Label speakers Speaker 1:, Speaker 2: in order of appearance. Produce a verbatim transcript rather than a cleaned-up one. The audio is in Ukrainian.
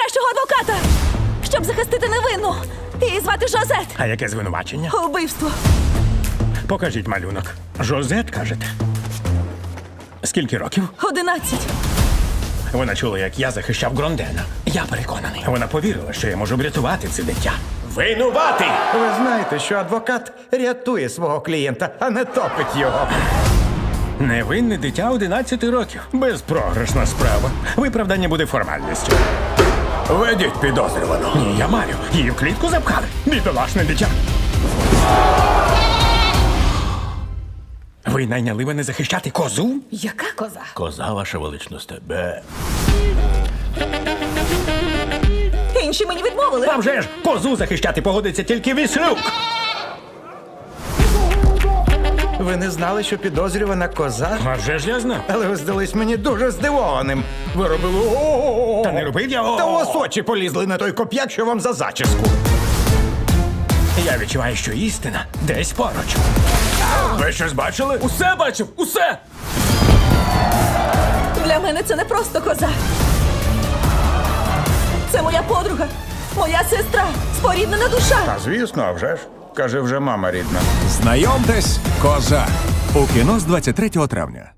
Speaker 1: найкращого адвоката, щоб захистити невинну. Її звати Жозет.
Speaker 2: А яке звинувачення?
Speaker 1: Убивство.
Speaker 2: Покажіть малюнок. Жозет, кажете? Скільки років?
Speaker 1: Одинадцять.
Speaker 2: Вона чула, як я захищав Грондена. Я переконаний. Вона повірила, що я можу врятувати це дитя. Винуватий!
Speaker 3: Ви знаєте, що адвокат рятує свого клієнта, а не топить його.
Speaker 2: Невинне дитя одинадцяти років. Безпрограшна справа. Виправдання буде формальністю.
Speaker 4: Ведіть підозрювану.
Speaker 2: Ні, я маю. Її в клітку запхали. Бідолашне дитя. Ви найняли мене захищати козу?
Speaker 1: Яка коза?
Speaker 4: Коза, ваша величність, тебе.
Speaker 1: Інші мені відмовили.
Speaker 2: А вже ж, козу захищати погодиться тільки Віслюк.
Speaker 3: Ви не знали, що підозрювана коза?
Speaker 2: А вже ж я знав.
Speaker 3: Але ви здались мені дуже здивованим. Ви робили о-о-о.
Speaker 2: Та не робив я.
Speaker 3: Та у вас очі полізли на той коп'як, що вам за зачіску.
Speaker 2: Я відчуваю, що істина десь поруч.
Speaker 4: Ви щось бачили?
Speaker 5: Усе бачив, усе!
Speaker 1: Для мене це не просто коза. Це моя подруга, моя сестра, споріднена душа.
Speaker 3: А звісно, а вже ж. Каже, вже мама рідна.
Speaker 6: Знайомтесь, коза. У кіно з двадцять третього травня.